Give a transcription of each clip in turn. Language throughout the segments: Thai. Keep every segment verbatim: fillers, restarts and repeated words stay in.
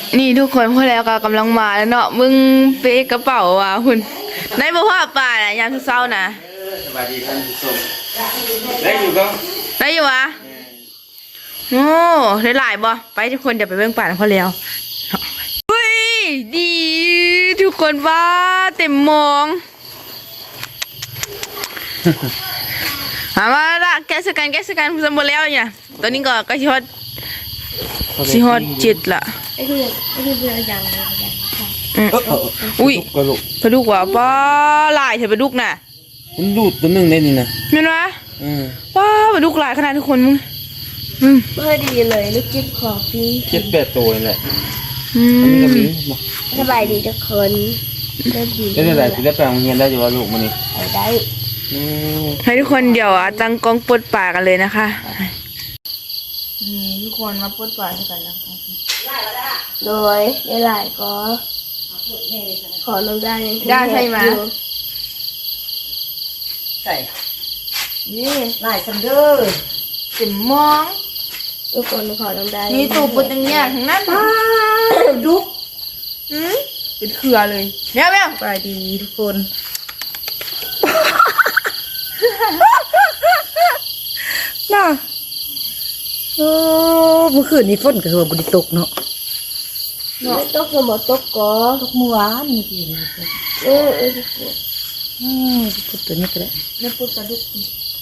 นี่ทุกคนพอแล้วก็กำลังมาแล้วเนาะมึงเป๊กระเป๋าว่ะคุณในบ่ว่าป่าน่ะยามเช้าๆนะสวัสดีท่านผู้ชมได้อยู่ก็ได้อยู่วะโอ้ได้หลายบ่ไปทุกคนเดี๋ยวไปเบิ่งป่าพอแล้วเฮ้ยดีทุกคนว่าเต็มมองหามาละแกสกันแกสกันสมบูรณ์แล้วเนี่ยตอนนี้ก็ก็ชิฮอตชิฮอตจิตละไอ้ที่ไอ้ที่เรือยังเลยอุ้ยปลาดุกว่ะป้าลายเถอะปลาดุกน่ะมันดูดตัวนึงได้นี่นะเห็นไหมป้าปลาดุกลายขนาดทุกคนมึงเมื่อดีเลยลูกจิ๊บของพี่เจ็ดแปดตัวนี่แหละอันนี้ก็มีสบายดีทุกคนได้ดีได้ได้สิได้แปลงเงียนได้อยู่ว่าลูกมันนี่ได้ให้ทุกคนเดี๋ยวอ่ะตั้งกล้องปลดป่ากันเลยนะคะนี่ทุกคนมาปลดป่ากันนะคะโดยได้หลายก็ขอลงได้ได้ใช่ไหมใส่นี่หลายซันเดอร์สิมมองทุกคนขอลงได้มีตูปุดอย่างเงี้ยทั้งนั้นดุกอืมเป็นเครือเลยเนี่ยแม่ไปดีทุกคนน่ะโอ้เมื่อคืนนี้ฝนก็คือบุรีตกเนาะเนาะตกคือหมดตกก่อตกเมื่อวานนี่พี่เออเอออืมพูดตัวนี้ก็ได้เนี่ยปุดปลาดุก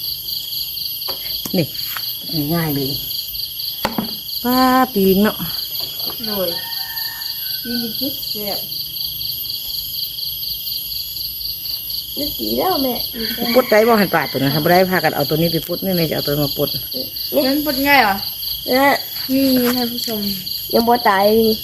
นี่ง่ายเลยป้าปีงเนาะหน่อยปีงคิดเสียบนึกดีแล้วแม่ปุดได้บ่หันปลาตัวนั้นทำได้พากันเอาตัวนี้ไปปุดนี่แม่จะเอาตัวมาปุดนั่นปุดง่ายเหรอนะนี่ท่านผู้ชมยังบ่ตาย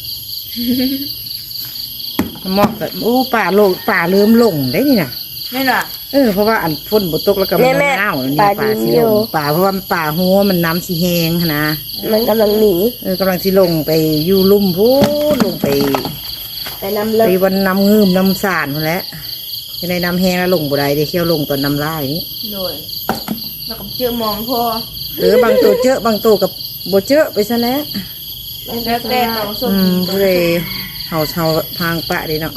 เหมาะกับโอ้ป่าโลป่าเริ่มลงได้นี่นะไม่หรอเออเพราะว่าอันฝนบตกแล้วก็มันหนาวนี่ป่าสีลงป่าเพราะว่าป่าหัวมันน้ำสีแห้งนะมันกำลังหนีเออกำลังสีลงไปอยู่ลุ่มพูลงไปไปน้ำเลิกไปวันน้ำงืมน้ำสานหมดแล้วในน้ำแห้งแล้วลงบ่ได้ได้เที่ยวลงตอนน้ำลายนี่โดยแล้วก็เจอมองพอหรือบางตัวเจอบางตัวกับบ่เจอไปซะแล้วแล้วแต่เราส่งอืมเลยเห่าเห่าทางปะดีเนาะ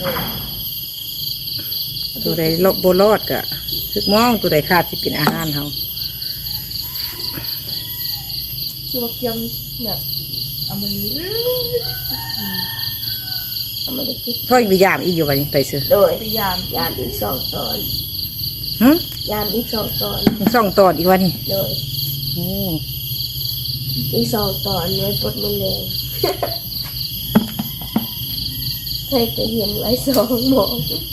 ตัวใดลบโบลอดกะทึกมองตัวใดขาดที่เป็นอาหารเฮาคือว่าเกี่ยมแบบเอามาลีเอามาลีพ่ออีกยามอีกอยู่วันนี้ไปซื้อโดยพยายามยามอีกสองตอนฮะยามอีกสองตอนสองตอนอีกวันนี้โดยโอ้อีกสองตอนไว้ปดมันเลยเคยจะเห็นไว้สองโมง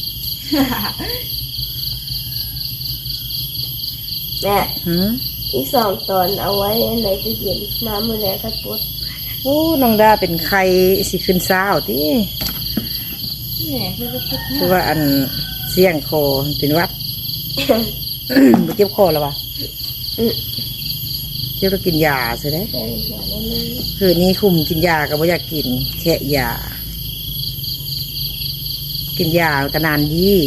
แม่อีกสองตอนเอาไว้ในตู้เย็นมาเมื่อไรก็ปดโอ้น้องดาเป็นใครสิขึ้นเช้าที่คือว่าอันเสี่ยงคอเป็นวัดไปเจ็บคอแล้ววะเจ็บแล้วกินยาใช่ไหมคืนนี้คุมกินยาก็ไม่อยากกินแค่ยากินยาก็นานยี่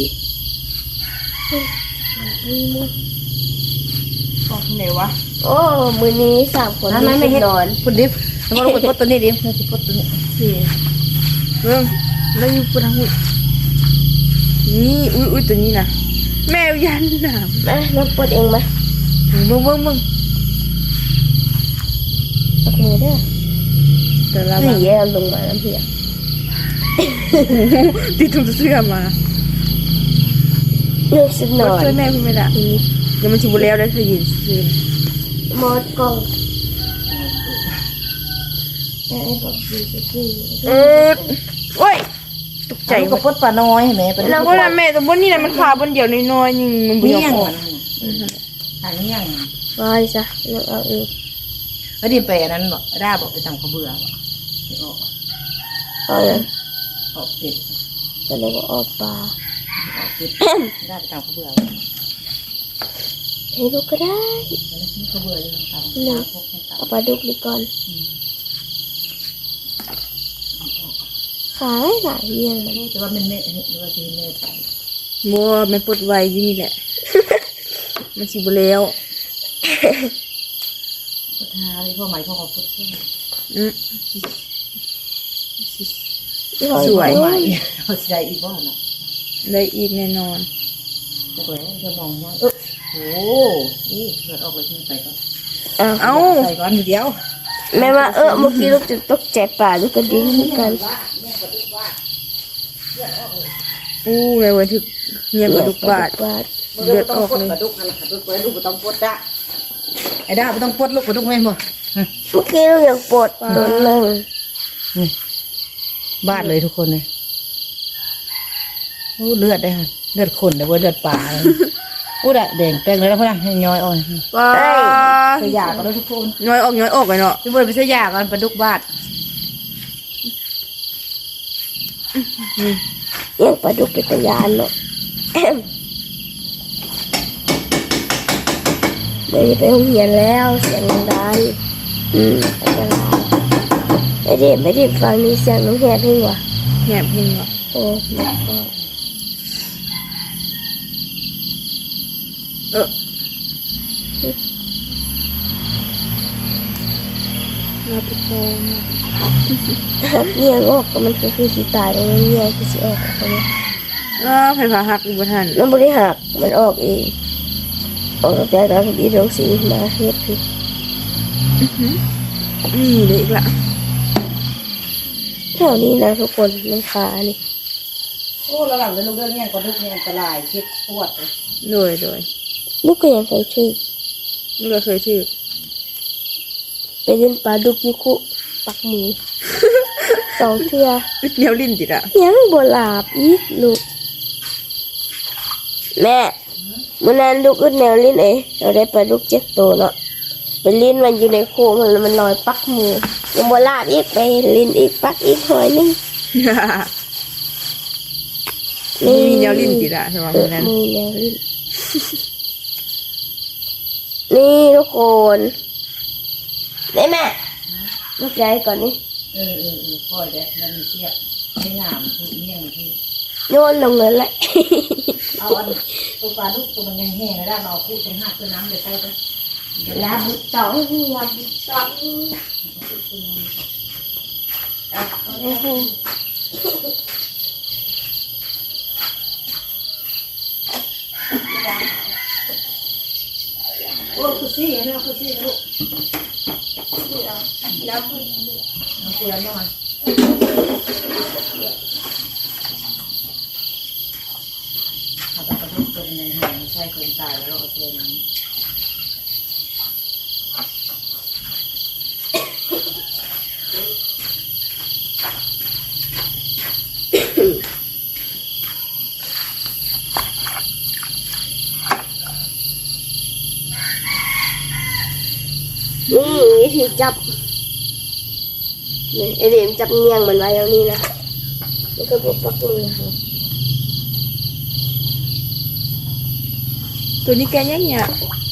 ออกไหนวะโอ้มือนี้สามคนไม่ไม่เห็นนอนคุณดิฟแล้วก็คุณพดตัวนี้ดิคุณพดตัวนี้เรื่องแล้วอยู่ปุ่นทั้งหมดนี่อุ้ยอุ้ยตัวนี้นะแมวยันหนามนะน้องปดเองไหมมึงมึงมึงตักมือเด้อแต่ละนี่แย่ลงมาน้ำเพียติดถุงเสื้อมาเลือกสักหน่อยช่วยแม่คุณไม่ได้เดี๋ยวมันชิบุแล้วได้เธอยินซื้อมดกองไอ้บอกดีสักทีเออโอ้ยตกใจกับพดปลาน้อยเห็นไหมแล้วก็แม่แต่บนนี่นะมันขาบนเดียวน้อยๆนี่มันเบี้ยงหางเงี้ยงไปจ้ะเลือกเอาเองแล้วดิไปอันนั้นบอกด้าบอกไปทำข้าวเบื่อบอกออกเอาเลยออกเป็ดแต่แล้วก็ออกปลาออกเป็ดด้าไปทำข้าวเบื่อให้ลูกก็ได้ข้าวเบื่อเลยทำเอาปลาดุกดีก่อนขายหลายเรื่องมันแต่ว่ามันเละหรือว่าทีเละไปมัวมันปวดไวยี่นี่แหละมันชิบุแล้วพุทธาเลยพ่อหมายพ่อขอพุทธอืมสวยใหม่เอาใจอีกบ้านอ่ะได้อีกแน่นอนโอ้ยจะมองว่าเออโอ้นี่เกิดออกไปที่ไปก่อนอ้าวเอ้าใส่ก่อนเดียวแม่ว่าเออเมื่อกี้ลูกจะตกใจป่าลูกกระดิ่งเหมือนกันอู้เลยวันที่เงียบกระดุกบาดบาดเลือดออกเลยกระดุกนั่นแหละกระดุกไว้ลูกไม่ต้องปวดจ้ะไอ้ด้าไม่ต้องปวดลูกกระดุกแม่นบ่เมื่อกี้ลูกยังปวดโดนนั่งบาดเลยทุกคนเลยโอ้เลือดได้ค่ะเลือดคนเลยว่าเลือดป่าเลยอู้ดะแดงแป้งเลยแล้วพ่อนะให้ย้อยอ่อนว้าไปหยากันแล้วทุกคนน้อยออกน้อยออกไปเนาะพี่เบิร์ดไปซื้อยากันปลาดุกบาดยังปลาดุกเป็นตะยานเนาะ เดี๋ยวจะไปโรงเรียนแล้วเสียงดังอืมอันตรายไอเด็กไม่ได้ฟังนี่เสียงน้องแหบเพิ่งวะแหบพิงวะโอ้ไม่ก็เออมาปิดโตมาเนี่ยงอกก็มันก็คือสีตายแล้วเนี่ยคือสีออกอะไรเนี่ยก็ไฟฟ้าหักอีกบ่ทันมันบริหักมันออกเองออกจากการที่โรงสีมาเฮ็ดคือนี่เลยอีกละแถวนี้นะทุกคนมันขานี่โอ้ระหว่างเดินลูกเดินเนี่ยปลาดุกเนี่ยอันตรายคิดปวดเลยโดยโดยลูกก็ยังเคยชื่อนี่ก็เคยถือไปเล่นปลาดุกยุคุปักหมูสองเทื่อเนียวลิ้นติดอะยังบ่หลาบอีกลูกแม่มื่อนั้นลูกอึดแนวลิ้นเอ๋เราได้ปลาดุกเจ็ดตัวเนาะไปลิ้นมันอยู่ในโคมันมันลอยปักหมูยังบ่หลาบอีกไปลิ้นอีกปักอีกหอยหนึงนี่มีเนียวลิ้นติดอะใช่ไหมเออวันนั้นมีแนวลิ้น นี่ทุกคนได้แม่ลูกใจก่อนนี่เออเออเออปล่อยได้แล้วมีเสียบไม่งามคือเนี่ยมันที่โยนลงเลยแหละเอาอันตัวปลาดุกตัวมันยังแห้งแล้วเราเอาคู่เป็นหักเป็นน้ำเดี๋ยวไปไปลาบุตองลาบุตองโอ้คือซี่เนี่ยคือซี่ลูกน้ำเกลือเนี่ยมันเอาไปกระดุกตัวมันยังแห้งไม่ใช่คนตายแล้วเอาเทน้ำนี่วิธีจับนี่ไอเดียมจับเงียงมันไว้แล้วนี่นะแล้วก็บุกปักมือค่ะตัวนี้แกยังเนี่ย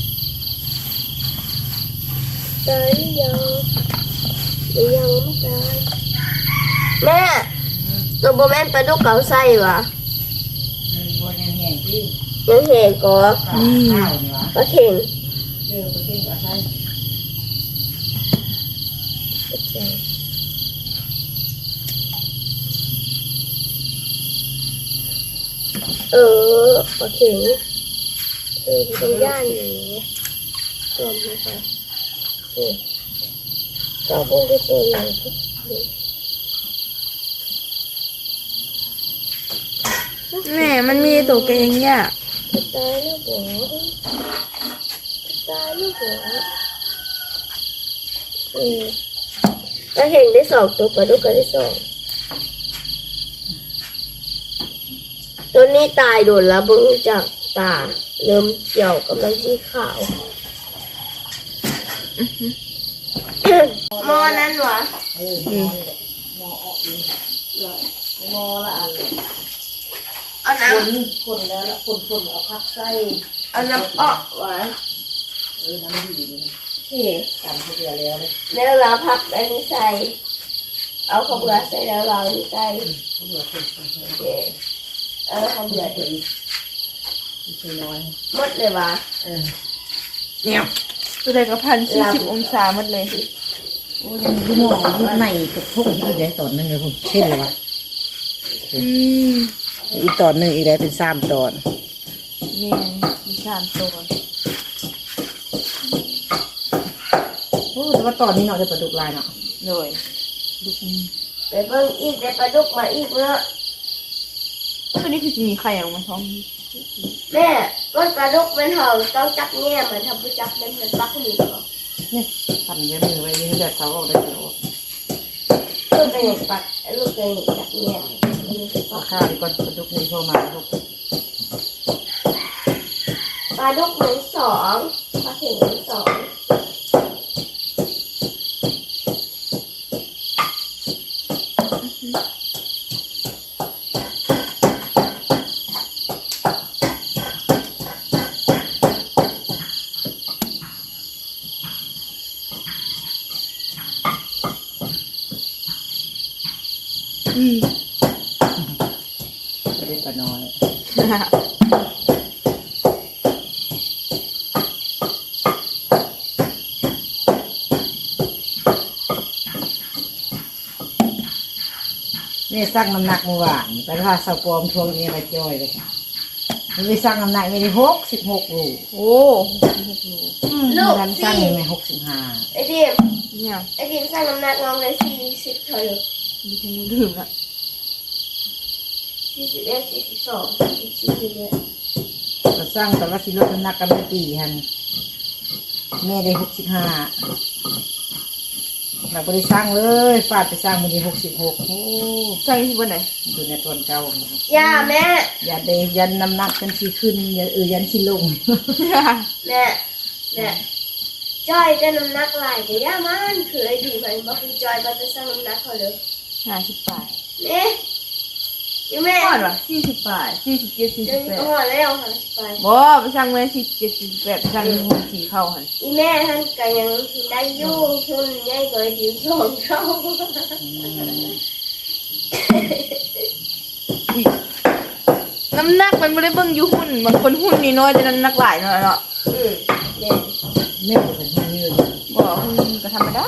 ตายหรือยังหรือยังไม่ตายแม่ตัวโบแมนปลาดุกเก๋าไส้วะมันบนยังแห้งที่ยังเห็นก่อข้าวเนี่ยวะปลาเข่งเจอตัวเก่งกับใช่เออปลาเข่งเออตรงย่านอยู่ตัวนี้ค่ะเออเราคงได้ตัวใหญ่ทุกทีแม่มันมีตัวแกยังเนี่ยจะตายแล้วบ่จะตายแล้วบ่เออปลาเข่งได้สองตัวปลาดุกก็ได้สองตัวนี้ตายโดนแล้วเบิ่งจากตาเริ่มเขียวกำลังสีขาว มอนั้นวะเออมอออกอีมอละอันเอาน้คนคนแล้วละคนคนเอาพักไส้ำเอาน้ำออกวะเออน้ำดีเลยเฮ้กันทุกเดือนแล้วเลยแล้วเราพักอันนี้ใส่เอาข้าวเบื่อใส่แล้วเราอันนี้ใส่เหลือคนคนโอเคเอาข้าวเบื่อเหลืออีกอีกน้อยหมดเลยวะเออเนี่ยตัวใดก็พันสี่สิบองศาหมดเลยโอ้ยังดูหม้อยุบในกับพวกอีกได้ตอนนึงเลยผมเช่นเลยวะอืมอีกตอนหนึ่งอีกได้เป็นสามตอนนี่มีสามตัวโอ้แต่ว่าตอนนี้เนาะจะปลาดุกลายเนาะเลยไปเบิ่งอีกได้ปลาดุกมาอีกเนาะตัวนี้คือจะมีไข่ออกมาท้องแม่ก้นปลาดุกมันเห่าต้องจับแง่เหมือนทำผู้จับมันมันปักหนีบเนี่ยทำเยอะมือไว้ยืนเดือดเขาออกได้เดี๋ยวลูกเป็นอย่างปักลูกเป็นอย่างจับแง่เอาข้าวดีก่อนปลาดุกนี่เข้ามาลูกปลาดุกเหมือนสองปลาเข็งเหมือนสองอืมจะได้ปลาน้อยนี่สร้างน้ำหนักเมื่อวานไปพาสาวปลอมทวงนี้มาจ้อยเลยค่ะมันไปสร้างน้ำหนักไม่ได้หกสิบหกโลโอ้ลูกดันสร้างสี่ยังไงหกสิบห้าไอ้ดิมเนี่ยไอ้ดิมสร้างน้ำหนักน้องเลยสี่สิบเท่าไหร่มีคนดื่มละสี่สิบเอ็ดสี่สิบสองสี่สิบสี่เนี่ยเราสร้างแต่ว่าสิลดน้ำหนักกันไม่ตีฮันแม่ได้หกสิบห้าเราไม่ได้สร้างเลยฟาดไปสร้างมันได้หกสิบหกโอ้ใส่ที่บนไหนดูในตอนเก่าย่าแม่อย่าได้ยันน้ำหนักกันสิขึ้นอย่าเออยันสิลงแม่แม่จอยจะน้ำหนักหลายแต่ย่ามันคือไอ้ดิมมันบอกคือจอยมันจะสร้างน้ำหนักเขาเลยห้าสิบแปดเนี่ยยังแม่ก่อนวะสี่สิบแปดสี่สิบเจ็ดสี่เดี๋สิยวบนี้แปดก็หอแล้วค่ะไปบ่ไปสั่งเมื่อสี่สิบเจ็ดสี่สิบแปดไปสั่งที่หุ่นสีเข้าหันอีแม่ท่านก็ยังได้อยู่หุ่นใหญ่กว่าไอ้ดิมสองเท่าน้ำหนักมันไม่ได้เบิ่งอยู่หุ่นบางคนหุ่นนี่น้อยแต่น้ำหนักหลายเนาะเนาะอืมเนี่ยแม่ก็เป็นคนยืนบ่หุ่นก็ธรรมดา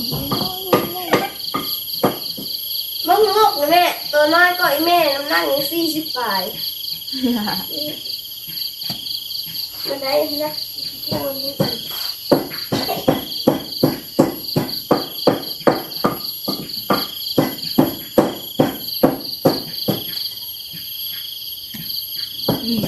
มึงลูกนะแม่ตัวน้อยก็ไอ้แม่น้ำหนักยังสี่สิบปลายมันได้นะพูดนี่กันอืม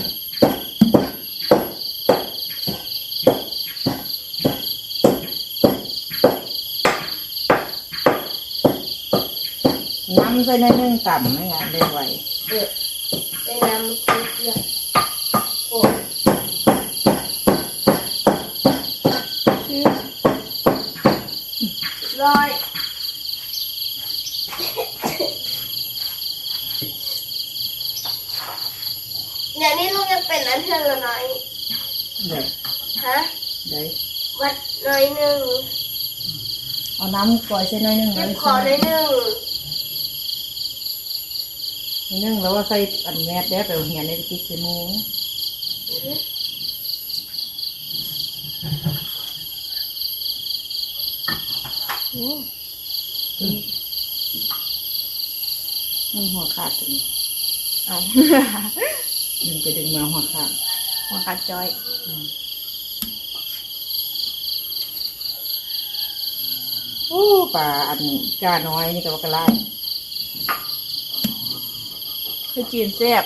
น้ำใส่ในนึ่งต่ำไม่งั้นเลยไหวเออไปนำคุยเกี่ยวโอ้ร้อยเนี่ยนี่ลูกยังเป็นอันเท่าน้อยเดี๋ยวฮะเดี๋ยววัดน้อยหนึ่งเอาน้ำปล่อยใส่ในนึ่งเลเก็บยขอน้อยหนึ่งในนึ่งแล้วว่าใส่อันแมสแล้วไปเหียนในติ๊กใส่หมูโอ้นึ่งหัวขาดตรงนี้เอาดึงไปดึงมาหัวขาดหัวขาดจอยโอ้ป่าอันจ้าน้อยนี่ก็ว่ากระไรคือจีนแซ่บ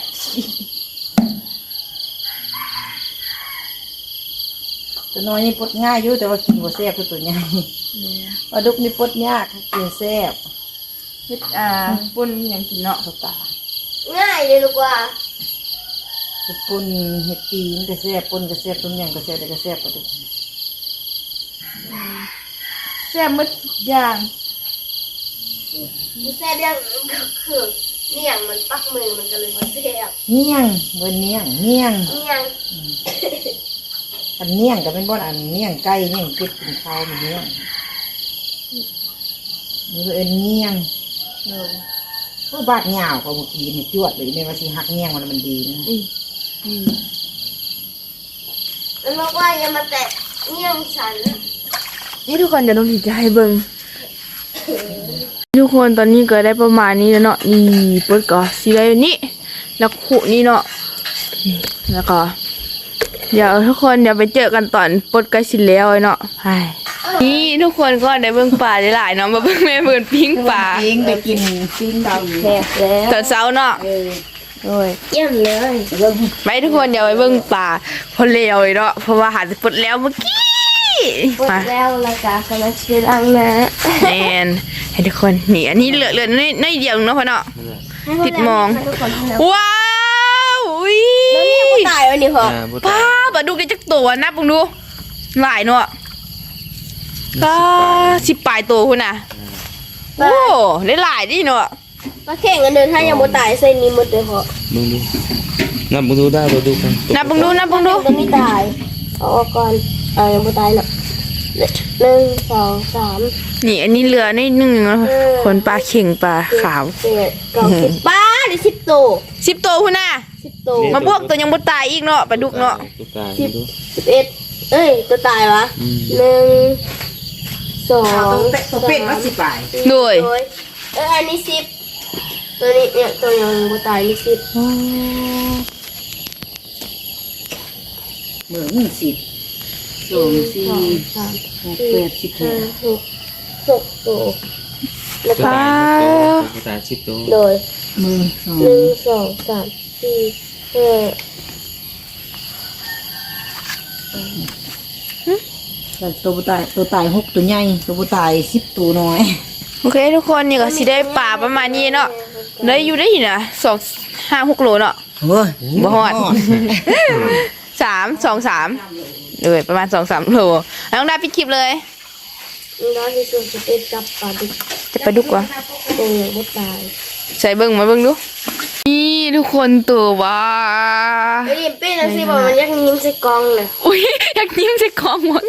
ตัวน้อยนี่ปลดง่ายอยู่แต่ว่ากินบ่แซ่บคือตัวใหญ่ปลาดุกนี่ปลดยากกินแซ่บเฮ็ดอ่าปุ่นอย่างกินเนาะกับตาง่ายเลยลูกว่าเห็ดปุ่นเห็ดปีนก็แซ่บปุ่นก็แซ่บต้มยำก็แซ่บแต่ก็แซ่บปลาดุกแซ่บหมดอย่างมันแซ่บยังก็คือเนี่ยงมันปักมือมันก็เลยมาแซ่บเมี่ยงเบิ้นเมี่ยงเมี่ยงเนี่ยงอันเมี่ยงก็เป็นบ่อนอันเมี่ยงไก่เมี่ยงเป็ดกินข้าวมันเมี่ยงนี่ก็เอ็นเมี่ยงเออก็บาดเหงาก็เมื่อกี้นี่จวดเลยในว่าสิหักเมี่ยงมันมันดีนะอืมอืมมันบอกว่าอย่ามาแตะเนี่ยงฉันนี่ทุกคนจะต้องดีใจเบิ่งทุกคนตอนนี้ก็ได้ประมาณนี้แล้วเนาะนี่เปิดก่อนสีอะไรนี่แล้วขุนี่เนาะนี่แล้วก็เดี๋ยวทุกคนเดี๋ยวไปเจอกันตอนปลดใกล้สิแล้วเนาะไปนี่ทุกคนก็ได้เบิ่งปลาได้หลายเนาะมาเบิ่งแม่เบิ่งปิ้งปลาปิ้งไปกินปิ้งดาวแหกแล้วตอนเช้าเนาะเออโอ้ยเยี่ยมเลยเริ่มไปทุกคนเดี๋ยวไปเบิ่งปลาพอแล้วเลยเนาะเพราะว่าหาปลดแล้วเมื่อกี้หมดมาแล้วละกากำลังชื่อลังนะแมนให้ทุกคนนี่อันนี้เหลือเหลือน้อยน้อยเดียวเนาะพ่อเนาะ ติดมองให้ทุกคนทำแล้วว้าวอุ้ยแล้วนี่ยังไม่ตายวันนี้พออ่าบ่ป้าตายบดูกันจักตัวนับมึงดูหลายเนาะก็สิบปลายตัวคุณน่ะโอ้ได้หลายดิเนาะมาแข่งกันเดินถ้ายังไม่ตายเส้นนี้หมดเลยพอมึงดูนับมึงดูได้บ่ดูกันนับมึงดูนับมึงดูจะไม่ตายเอาออกก่อนเออยังไม่ตายหรอกหนึ่งสองสามนี่อันนี้เหลือนิดนึงเนาะคนปลาเข่งปลาขาวเจ็ดเก้าสิบป้าได้สิบตัวสิบตัวคุณน่ะสิบตัวมาพวกตัวยังบ่ตายอีกเนาะปลาดุกเนาะตัวตายสิบดูสิบเอ็ดเอ้ยตัวตายวะอืมหนึ่งสองตัวเป็ดว่าสิบปลายโดยโอ้ยเอออันนี้สิบตัวนี้เนี่ยตัวยังไม่ตายนี่สิบเมื่อมึงสิบสองสี่สองสามหกแปดสิบห้าห้าหกหกตัวแล้วตัวก็ตายตัวตายสิบตัวโดยมือสองหนึ่งสองสามสี่ห้าแต่ตัวตายตัวตายหกตัวใหญ่ตัวตายสิบตัวน้อยโอเคทุกคนนี่ก็สิได้ปลาประมาณนี้เนาะได้อยู่ได้อยู่นะสองห้าหกโลเนาะเฮ้ยบ่ฮอด สามสองสามเลยประมาณสองสามโลแล้วต้องได้ปิดคลิปเลยน้องที่สุดจะเป็นจับปลาดุกจะไปดุกวะตัวยังไม่ตายใส่เบิ้งมาเบิ้งดูนี่ทุกคนตัวว่าไอ้ดิมปี้นะสิบอกมันยักยิ้มใส่กองเลยอุ้ยอยากยิ้มใส่กองหมด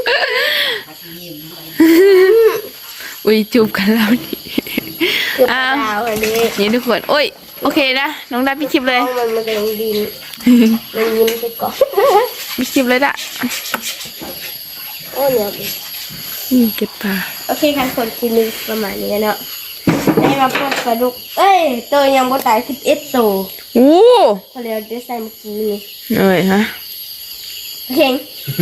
อุ้ยจูบกันแล้วนี่คือปอ้าลาว อันนี้นี่ทุกคนโอ้ยโอเคนะน้องได้ปิดคลิปเลยกองมันมันกำลังดินมันยิ้มใส่กองปิดคลิปเลยละโอ้เนี่ยนี่เก็บปลาโอเคค่ะคนคิดนึงประมาณนี้เนาะได้มาพบปลาดุกเอ้ยตัวยังไม่ตายสิบเอ็ดตัวโอ้พอเรียวได้ใส่เมื่อกี้นี่เอ้ยฮะเข่ง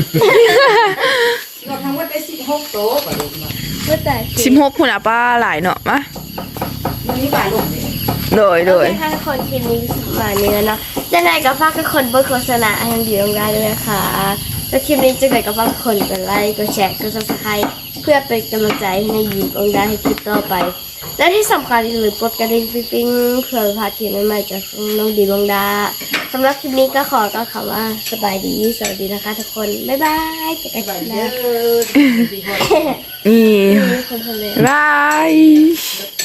เราทำว่าได้สิบหกตัวปลาดุกเนาะไม่ตายสิบหกคุณอาป้าหลายเนาะมะมันนี่ปลาดุกเลยโดยโดโอย เคค่ะคนคิดนึงประมาณนี้เนาะจะไหนก็ฝากทุกคนเบอร์โฆษณาให้ดีของได้ด้วยนะคะแล้วคลิปนี้จะไหนก็ฝากทุกคนกดไลค์กดแชร์กดซับสไครต์เพื่อเป็นกำลังใจให้ยิมองได้ให้คลิปต่อไป และที่สำคัญอย่าลืมกดกระดิ่งปิ๊งๆเพื่อพลาดคลิปใหม่ๆจากน้องดีบองดาสำหรับคลิปนี้ก็ขอก็คำว่าสบายดีสวัสดีนะคะทุกคน บ๊ายบายเจอกันปลาคลิปหเยน้าอะนี่คนทะเลบาย